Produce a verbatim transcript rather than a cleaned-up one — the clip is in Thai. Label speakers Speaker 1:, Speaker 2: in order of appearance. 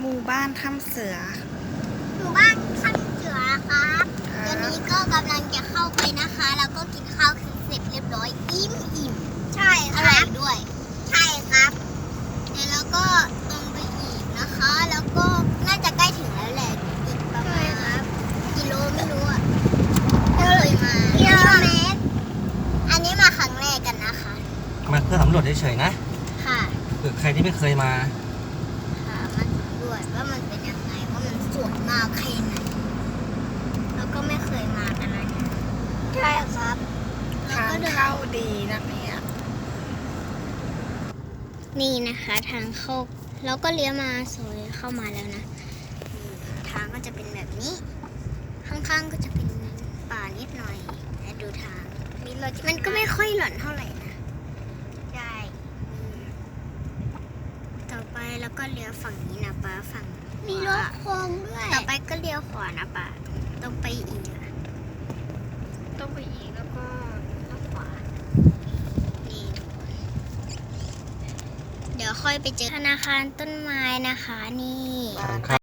Speaker 1: มู่บ้านถ้ำเสือ
Speaker 2: หมู่บ้านถ้ำเสือครับตอนนี้ก็กำลังจะเข้าไปนะคะ แล้วก็กินข้าวคือเสร็จเรียบร้อยอิ่มอิ่มใช่อร่อยด้วย ใช่ครับเดี๋ยวเราก็ตรงไปอีกนะคะ แล้วก็น่าจะใกล้ถึงแล้วแหละอีกประมาณกิโลไม่รู้อ่ะไม่เคยมากิโลเมตรอันนี้มาครั้งแรกกันนะคะ
Speaker 3: มาเพื่อสำรวจเฉยๆนะ
Speaker 2: ค่ะ
Speaker 3: เผื่อใครที่ไม่เคยมา
Speaker 2: ค่ะมันสำรวจว่ามันเป็นยังไงว่ามันสวยมากแค่ไหนแล้วก็ไม่เคยมากันนะเนี่ยใช่ครับ
Speaker 1: ทางเข้าดีนะเนี่ย
Speaker 2: นี่นะคะทางเข้าแล้วก็เลี้ยวมาสวยเข้ามาแล้วนะทางก็จะเป็นแบบนี้ ข้างๆก็จะเป็นป่านิดหน่อยแต่ดูทางมันก็ไม่ค่อยหล่อนเท่าไหร่นะใช่ต่อไปแล้วก็เลี้ยวฝั่งนี้นะป้าฝั่งมีรถโค้งด้วยต่อไปก็เลี้ยวขวานะป้าต้องไปอีกต้องไปอีกแล้วก็เลี้ยวขวานี่เดี๋ยวค่อยไปเจอธนาคารต้นไม้นะคะนี่